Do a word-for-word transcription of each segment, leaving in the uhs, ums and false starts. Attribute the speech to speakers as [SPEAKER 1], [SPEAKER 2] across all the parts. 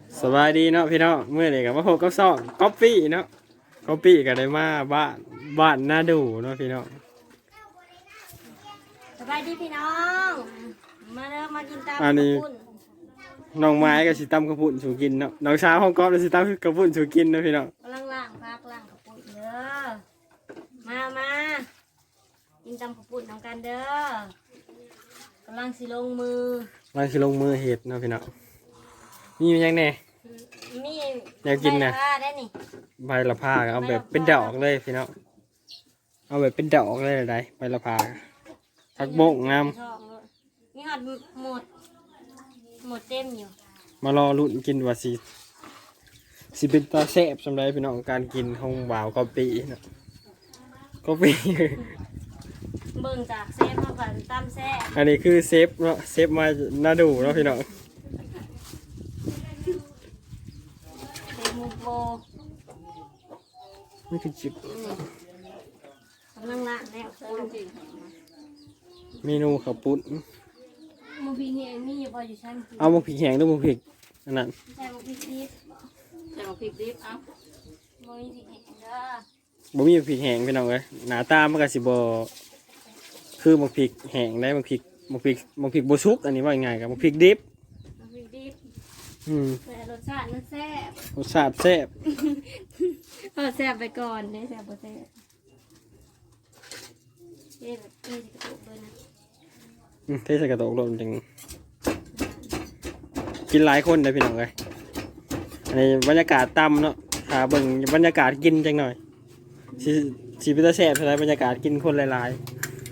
[SPEAKER 1] สบายดีเนาะพี่น้องเมื่อไหร่กับว่าโฮกับซองก๊อปปี้เนาะก๊อปปี้ก็ได้มาบ้านบ้านน่าดูเนาะพี่น้อง
[SPEAKER 2] สบายดีพี่น้องมาเริ่มมากินตาม
[SPEAKER 1] อันนี้น้องไม้กับสิตั้มกระปุ่นสู่กินเนาะน้องช้างห้องก๊อฟกับสิตั้มกระปุ่นสู่กินเนาะพี่น้อง
[SPEAKER 2] กำลังล่างพักล่างกระปุกเด้อมามากินตามกระปุกน้องกันเด้อกำลังสิลงมือ
[SPEAKER 1] มันคือลงมือเห็ดเนาะพี่น้องมีมันยังไง
[SPEAKER 2] มี
[SPEAKER 1] อยากกินนะ
[SPEAKER 2] ใบละผ้าได้นี่
[SPEAKER 1] ใบละพาเอาแบบเป็นดอกเลยพี่น้องเอาแบบเป็นดอกเลยอะไรใบละพาผักบงงาม
[SPEAKER 2] มีหอดหมดหมดเต็มอยู่
[SPEAKER 1] มารอลุ้นกินว่าสิสิเป็นตาแซ่บสำหรับพี่น้องการกินของบ่าวก๊อปปี้เนาะก๊อปปี้
[SPEAKER 2] เบิ่งจากเซฟมาก่อนตามแซ่บ
[SPEAKER 1] อันนี้คือเซฟเนาะเซฟมาน่าดูเนาะพี่น้อง
[SPEAKER 2] เซฟมูโบ
[SPEAKER 1] นี่คือจิบ
[SPEAKER 2] กำลังล่างแล้ว
[SPEAKER 1] เมนูข้าวปุ้น
[SPEAKER 2] มูพีเนี่ยมีอยู่พออยู่ชั้นกิน
[SPEAKER 1] เอาหมกพริกแห้งด้วยหมกพริกอันนั้น
[SPEAKER 2] ใส่หมูพริกดิบ
[SPEAKER 3] ใส่หมกพริกดิบเอ้า
[SPEAKER 2] หมูพริกแห้งเด้อ
[SPEAKER 1] บ่มีหมกพริกแห้งพี่น้องเอ้ยหน้าตามันก็สิบ่คือหมกพริกแห้งได้หมกพริกหมกพริกหมกพริกบ่สุกอันนี้ว่าง่ายๆกับหมกพริกดิบ
[SPEAKER 2] หมูพริกดิบ
[SPEAKER 1] อืม
[SPEAKER 2] แต่รสชาติมันแซ่บ
[SPEAKER 1] รสชาติแซ่บ
[SPEAKER 2] เออแซ่บไปก่อนได้แซ่บบ่แซ่บเอ๊ะแบบนี้จะกระตุกเลยนะ
[SPEAKER 1] อืมเทใส่กระโตกลงจังกินหลายคนเด้อพี่น้องเอ้ยอันนี้บรรยากาศต่ำเนาะถ้าเบิ่งบรรยากาศกินจังหน่อยสิสิเป็นตาแซ่บเท่าไหร่บรรยากาศกินคนหลาย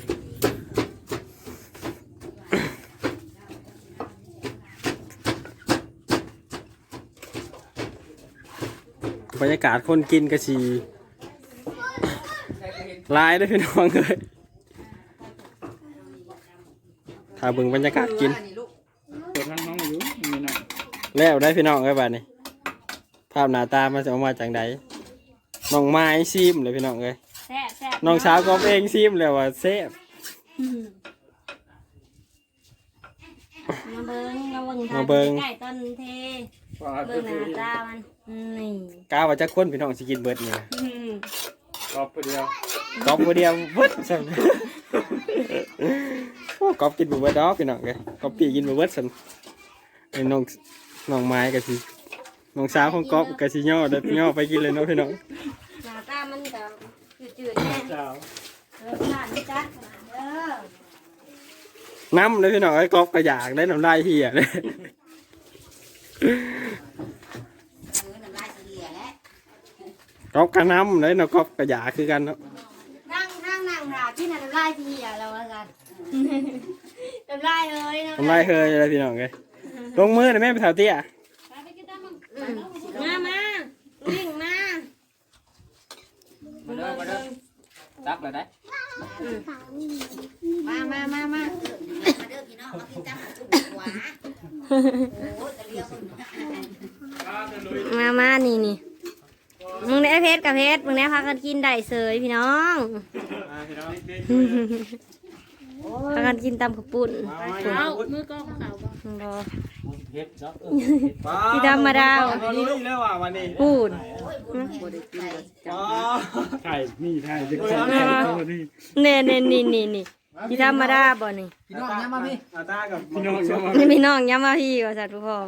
[SPEAKER 1] ๆบรรยากาศคนกินก็สิหลายเด้อพี่น้องเอ้ยถ้าเบิ่งบรรยากาศกิน
[SPEAKER 4] เปิดทางน้องอยู่มีหน่อย
[SPEAKER 1] แล้วได้พี่น้องเอ้ยบ้านนี้ภาพหน้าตามันจะออกมาจากไหนน้องไม้ซิมเลยพี่น้องเอ้ย
[SPEAKER 2] แซ่บแซ่บ
[SPEAKER 1] น้องสาวก็เองซิมเลยว่าเซฟ
[SPEAKER 2] มาเบิ้งมาเบิ้ง
[SPEAKER 1] มาเบิ่ง
[SPEAKER 2] ไก่ต้นเท
[SPEAKER 4] ว่า
[SPEAKER 2] เบิ้งหน้าตามันนี่
[SPEAKER 1] กล้าว่าจะคนพี่น้องสิกินเบิดนี่นะ
[SPEAKER 2] อืม
[SPEAKER 4] ตอบไปเดียว
[SPEAKER 1] กอบบ่เดียวเบิดซั่นโอ้กอบกินบ่เบิดดอกพี่น้องเอ้ยกอบปีกินบ่เบิดซั่นไอ้น้องน้องไม้ก็สิน้องสาวของกอบก็สิย่อเด้อย่อไปกินเลยเนาะพี่น้อง
[SPEAKER 2] หน้าตามันก็จืดๆแน่
[SPEAKER 1] เจ้าร
[SPEAKER 2] สชาติมันจัดขนาดเด้อ
[SPEAKER 1] น้ำเลยพี่น้องไอ้กอบก็อยากได้น้ำลายเหี่ยเลยกอบก็น้ำเลยเนาะกอบก็อยากคือกันเนาะ
[SPEAKER 2] นั่งนั่งนั่งหาที่นั่นน้ำลายพี่อ่ะเราว่ากันน้ำลายเอ้ย
[SPEAKER 1] น้ำลายเฮยอะไรพี่น้องเอ้ยลงมือหน่อยแม่ไปแถวเตี้ย
[SPEAKER 2] มามาวิ่งมา
[SPEAKER 3] มาเด้อมาเด้อตักเลยได้
[SPEAKER 2] มามามามา
[SPEAKER 5] มาเด้อพี่น้องมากินจ้ำจุ่มหัวโอ้ยกะเลียวคน
[SPEAKER 2] มามานี่นี่มึงได้เพชรกับเพชรมึงได้พากันกินได้เสยพี่น้องพากันกินตำข้าวปุ้น
[SPEAKER 3] เอามือกล้องขาวบ่
[SPEAKER 2] รอ
[SPEAKER 3] เฮ็ดเนาะ
[SPEAKER 2] ที่ธรรมดา
[SPEAKER 1] รู้เลยว่าวันนี้
[SPEAKER 2] พูด
[SPEAKER 4] ไข่นี่ไข่จะใส่ไข่ตัวนี้
[SPEAKER 2] เน่เน่นี่นี่นี่ที่ธรรมดาบ่นี่
[SPEAKER 1] พี่น้องเนี่ยมาพี่อาตากับ
[SPEAKER 4] พี่น้องชอบ
[SPEAKER 2] นี่พี่น้องย้ำมาพี่ว่าสัตว์พ่อ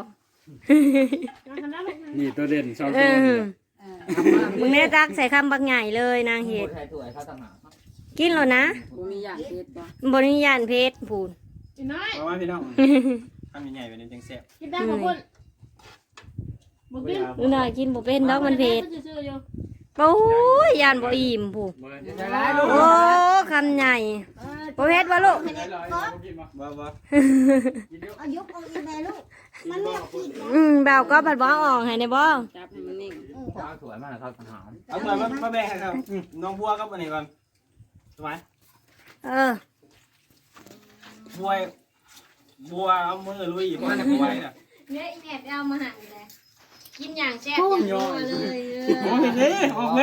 [SPEAKER 4] นี่ตัวเด่นสอง
[SPEAKER 2] เอ
[SPEAKER 4] ตัว
[SPEAKER 2] อมึงได้ตักใส่คำบักใหญ่เลยนางเห็ด
[SPEAKER 3] ใส่ถ้วยเขาต่างหาก
[SPEAKER 2] กินแล้วนะ
[SPEAKER 3] บ่มีอย่างเฮ็ดบ่
[SPEAKER 2] บริยานเพชรพูน
[SPEAKER 1] มาว่าพี่น้องทำยังไงเป็นจังแซ่บ
[SPEAKER 2] กินได้บ่พุ่นบ่กินหน่อยกินบ่เป็นดอกมันเผ็ดโอ้ยยานบ่อิ่มผู้โอ้คำใหญ่บ่เผ็ดบ่ลูก
[SPEAKER 1] บ่บ่
[SPEAKER 5] เอายกเอาอีแม่ลูกมันไม่เอากิน
[SPEAKER 2] อืมเบาก็บัดบ่ออกให้ได้บ่
[SPEAKER 3] จับให้มันนิ่งเอาถ้วยมาให้เขาต่างหาก
[SPEAKER 1] เอาไปมามาแบ่งให้ครับน้องบัวกับอันนี้ก่อนสมัย
[SPEAKER 2] เออ
[SPEAKER 1] บัวบัวเอามือลุยบัวเนี่ยบัวเนี่ย
[SPEAKER 2] เนี่ยอีแม่ไปเอามาหั่นเลยกินอย่างแซ่บ
[SPEAKER 1] โอ้ย
[SPEAKER 2] อย่างนัวเลย
[SPEAKER 1] โอ้ยนี่ออกเลย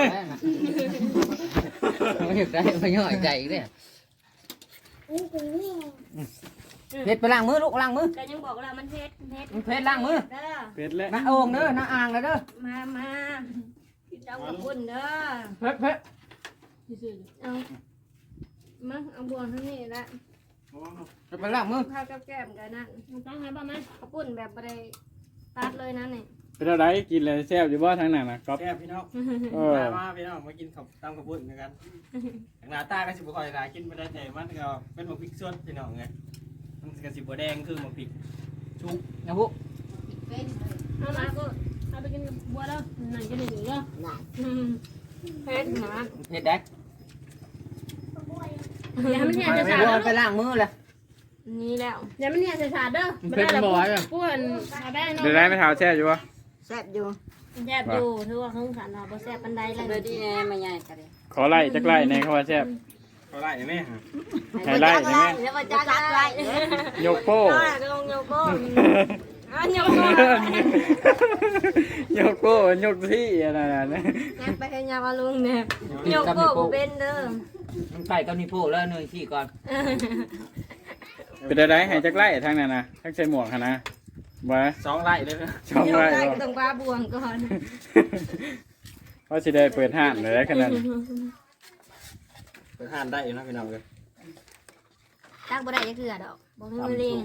[SPEAKER 3] ไม่อยากได้ไม่ย่อยใจอีกเนี่ย
[SPEAKER 5] อู้หู
[SPEAKER 3] เพชรไปล้างมือลูกล้างมือ
[SPEAKER 2] ก็ยังบอกว่ามันเผ็ดเผ็ด
[SPEAKER 3] เพชรล้างมือ
[SPEAKER 2] เด้อ
[SPEAKER 4] เป็ดและ
[SPEAKER 3] น้าโอ่งเด้อน้าอ่างเลยเด้อ
[SPEAKER 2] มามาเจ้าขอบคุณเด้อ
[SPEAKER 3] เพชรเพชร
[SPEAKER 2] เอามาเอาบวงทั้งนี้ละ
[SPEAKER 3] ไปล้างมือ
[SPEAKER 2] ข้าวกับแก้มกันนั่นต้องให้ป่ะไหมขอบคุณแบบบ่ได้ตัดเลยนะนี่
[SPEAKER 4] เป็นอะไรกินเลยแซ่บอยู่บ่ทางนั้นนะก๊อฟ
[SPEAKER 1] แซ่บพี่น้อง
[SPEAKER 4] เออ
[SPEAKER 1] มามาพี่น้องมากินข้าวตำข้าวปุ้นกันทางหน้าตาก็สิบ่ค่อยหลายกินบ่ได้แต่มันก็เป็นหมกพริกสดพี่น้องไงมันก็สิบ่แดงคือหมกพริกชุบ
[SPEAKER 3] นะพวก
[SPEAKER 5] เป็นเลย
[SPEAKER 2] เอามาก็เอาไปกินกับบัวแล้วนั่นจะได้หนีก็
[SPEAKER 5] น่ะ
[SPEAKER 2] เผ็ดหนา
[SPEAKER 3] เพชรแดก
[SPEAKER 2] อย่ามันเนี่ยจะ
[SPEAKER 3] ไป
[SPEAKER 2] สาด
[SPEAKER 3] ไปล้างมือเลย
[SPEAKER 2] นี่แล้วอย่ามันเนี่ยจะสาดเด้อ
[SPEAKER 3] เพชรบ่อยอ่ะ
[SPEAKER 2] ป้วนเอาได้เนาะ
[SPEAKER 4] เดี๋ยวได้ไม่เท้าแซ่บอยู่บ่
[SPEAKER 5] แซ่บอยู่
[SPEAKER 2] แซ่บอยู่ถือว่าเขาสารเราบ่แซ่บปันใดเลย
[SPEAKER 3] เลยดีแน่มาใหญ่กันเลย
[SPEAKER 4] ขอไล่จักไล่ในคำว่าแซ่บ
[SPEAKER 1] เขาไล่ไหม
[SPEAKER 4] ให้ไล่ได้ไหม
[SPEAKER 2] แล้วก็จัดไว้
[SPEAKER 4] ยกโป้
[SPEAKER 2] ก็ลงโยโก้อ่ะโยโก้
[SPEAKER 4] ยกโป้ยกที่อะไรนะ
[SPEAKER 2] งั้นไปให้ยามาลุงเนี่ยโยโก้บ่เป็นเด้อ
[SPEAKER 3] มันไก่กับนี่พวกแล้วเนยขี้ก่อน
[SPEAKER 4] เป็นอะไรให้จักไล่ทางนั้นนะทั้งใส่หมวกหั่นนะบ่
[SPEAKER 1] สองไล่เลยนะ
[SPEAKER 4] ช่อง
[SPEAKER 2] โย
[SPEAKER 4] ไล่
[SPEAKER 2] ได้
[SPEAKER 4] บ่
[SPEAKER 2] ก็ต้องปลาบวงก่อน
[SPEAKER 4] ว่าสิได้เปิดห้างเลยขนาดนั้น
[SPEAKER 1] เปิดห้านได้อยู่นะพี่น้องเลย
[SPEAKER 2] ตักบ่ได้จะเกลือดอกบ่ให้มือเลี้ยง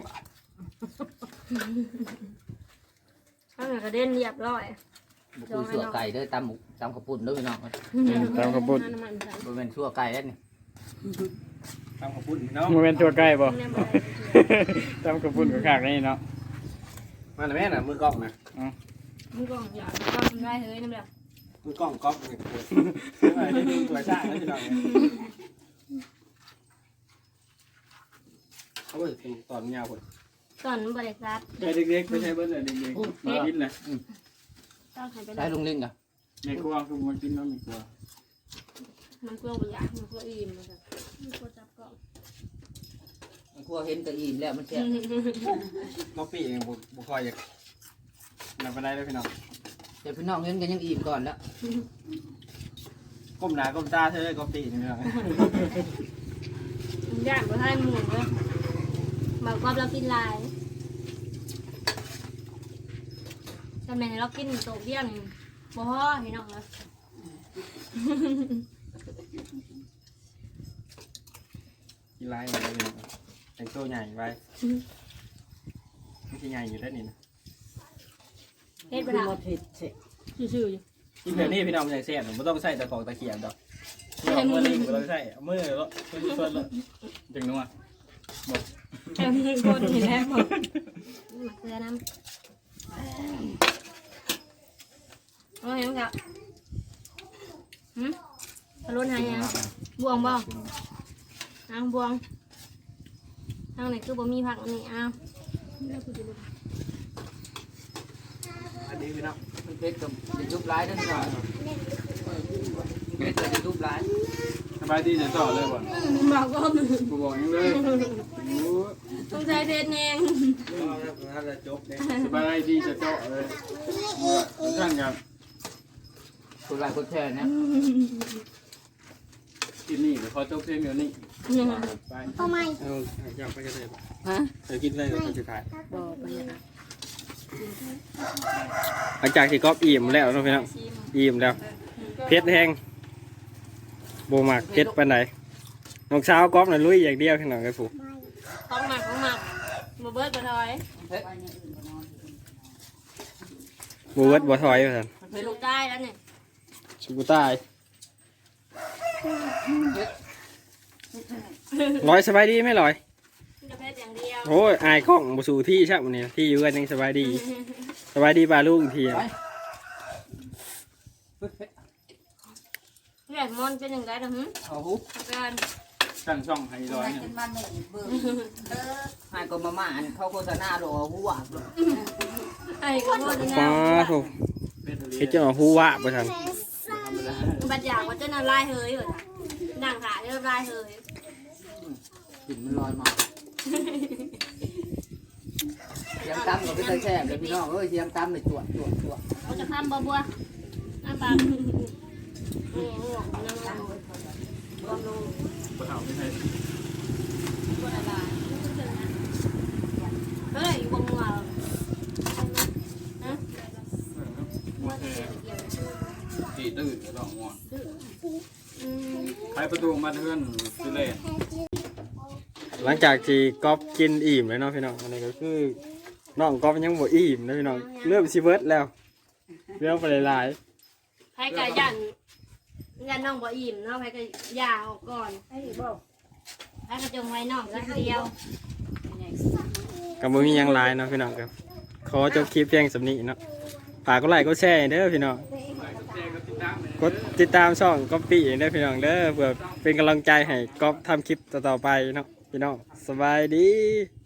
[SPEAKER 2] ข้างหน้ากระเด็นเรียบร้อย
[SPEAKER 3] บุกเสือไก่เด้อตำหมูตำข้าวปุ้นเด้อพี่น้อง
[SPEAKER 4] ตามกระปุก
[SPEAKER 3] บริเวณชั่วไก่แล้วนี่
[SPEAKER 1] ตำข้าวปุ้นพี่น้อง
[SPEAKER 4] มันเป็นตัวใกล้บ่
[SPEAKER 2] เนี่ยบ่ได้
[SPEAKER 4] ตามกระปุกกับขากนี่เนาะ
[SPEAKER 1] มาหน่อยแม่น่ะมือกล้องนะ
[SPEAKER 2] มึงก็อยากก็ทำได้เฮ้ยนั่นแหละ
[SPEAKER 1] มือกล้องก๊อฟนี่ได้ดูตัวช่างแล้วพี่น้องโอ้ยตอนยาวคน
[SPEAKER 2] ตอนบริษัท
[SPEAKER 4] ใช่เด็กๆไม่ใช่เบิ้ลเลยเด็กๆมากินเลย
[SPEAKER 2] ต้องให้ไป
[SPEAKER 3] ใช้ลุงลิงกัน
[SPEAKER 4] ในครัวคือมากินน้ำในครัว
[SPEAKER 2] มันกลัวบ่อยากมันกลัวอิ่มมันก็มันกลัวจับกล้อง
[SPEAKER 3] มันกลัวเห็นกระอิ่มแล้วมันแซ่บ
[SPEAKER 1] ก๊อปปี้เองบุบุคอยอยากนำไปได้เลยพี่น้อง
[SPEAKER 3] แต่พี่น้องเห็นกันยังอิ่มก่อนแล้ว
[SPEAKER 1] ก้มหน้าก้มตาเธอเลยก๊อปปี้นี่พี่น้อง
[SPEAKER 2] ย่างบ่ให้หมูเลยบอกว่าเรากินลายแต่แม่เรากินโตเบี้ยนี่บ่พอพี่น้องเลย
[SPEAKER 1] กินลายมาเลยพี่น้องแต่งตัวใหญ่ไปไม่ใช่ใหญ่อยู่ได้นี่นะ
[SPEAKER 2] เฮ็ดบ่ได้ชื่อๆอยู่
[SPEAKER 1] กินแบบนี้พี่น้องมันใหญ่เสียนไม่ต้องใส่ตะกอกตะเกียบดอกเอามือลิงไม่ต้องใส่เอามือแล้วส่วนแล้ว
[SPEAKER 4] จังนัว
[SPEAKER 2] แค่มือคนนี่แหละบ่มาเกลือน้ำเอาเห็นมั้งครับหืมพะโล้หายังบวงบ่เอาบวงทางไหนคือบ่มีผักอันนี้เอา
[SPEAKER 1] อันนี้พี่น้อง
[SPEAKER 3] มันเพชรกับจะยุบร้ายเด้อพี่น้องเพชรจะยุบร้าย
[SPEAKER 4] สบายดีจะต่อเลยบ่
[SPEAKER 2] บอกก็มือ
[SPEAKER 4] กูบอกยังเลยโอ้
[SPEAKER 2] ต้องใช้เพชรเอง
[SPEAKER 1] ถ้าจะจบเนี่ย
[SPEAKER 4] สบายดีจะต่อเลยท่านครับ
[SPEAKER 3] คนหลายคนแช่เนี่ย
[SPEAKER 4] กินนี่เดี๋ยวขอจบเพลงเดี๋ยวนี้ไป
[SPEAKER 5] ทำไม
[SPEAKER 1] เอาอยากไปกันเลย
[SPEAKER 3] ฮะ
[SPEAKER 1] เดี๋ยวกินได้ก็จะถ่าย
[SPEAKER 3] บอกไปเนี่ย
[SPEAKER 1] หลังจากที่ก๊อปอิ่มแล้วนะพี่น้องอิ่มแล้วเพชรแห้งโบมักเพชรปานไหนน้องสาวก๊อปน่ะลุยอย่างเดียวพี่น้องไอ้ผู้
[SPEAKER 2] ของหมักของหมักบ่เบิดบ่ถอย
[SPEAKER 3] เพชร
[SPEAKER 1] บูเวิร์ดบัวถอยว่าซั่น
[SPEAKER 2] ไปลูกได้แล้วเนี่ย
[SPEAKER 1] สุกุตายร้อยสบายดีไหมร้อย
[SPEAKER 2] จะเพชรอย่างเดียว
[SPEAKER 1] โอ้ยอายกล้องบูสู่ที่ใช่ไหมเนี่ยที่อยู่กันยังสบายดีสบายดีปลาลูกอีกทีอะ
[SPEAKER 2] เรื่องมันเป็นอย่างไรล่ะหึ
[SPEAKER 3] เอาหู
[SPEAKER 2] การ
[SPEAKER 4] สั่งช่องให้ร้อยหนึ่ง
[SPEAKER 5] มันไม่เบิ่งเออ
[SPEAKER 3] ให้ก็มาม่าอันเขาโฆษณาโดหัวเลย
[SPEAKER 2] ไอ้ก็บ่ได้
[SPEAKER 1] ป้า
[SPEAKER 2] นะ
[SPEAKER 1] โถเฮ็ดเจ้าฮู้ว่าบ่ทัน
[SPEAKER 2] บัดอยากว่าจะน่าลายเฮยเหรอนั่งขาเรียบลายเฮย
[SPEAKER 3] กลิ่นมันลอยมาเสียงตั้มก็ไม่ใช่แช่เลยพี่น้องเอ้ยเสียงตั้มเลยตรวจตรวจตรวจ
[SPEAKER 2] เขาจะทำบ่บัวน้าปากนี่นี่หรอกน้ำมันบำรุง
[SPEAKER 4] เอาไม่ใช่
[SPEAKER 2] บัวละลายเฮ้ยบ่งัว
[SPEAKER 4] ตีตื่นดอกง่วงใครประตูมาเทือนคือเล่
[SPEAKER 1] หลังจากที่ก๊อฟกินอิ่มเลยเนาะพี่น้องอันนี้ก็คือน้องก๊อฟยังบ่อิ่มนะพี่น้องเริ่มสิเบิดแล้วเรื่องไปหลาย
[SPEAKER 2] ไผก็ยันยันน้องบ่อิ่มเนาะไผก็ย่าออกก่อนไผบ่ไผก็จงไว้น้องกินเดียว
[SPEAKER 1] ๆก็บ่มีหยังหลายเนาะพี่น้องครับขอจบคลิปเพียงสำนี้เนาะฝากกดไลค์กดแชร์เด้อพี่น้องกดติดตามช่องก๊อปปี้เด้อพี่น้องเด้อเพื่อเป็นกำลังใจให้ก๊อฟทำคลิปต่อๆไปเนาะพี่น้องสบายดี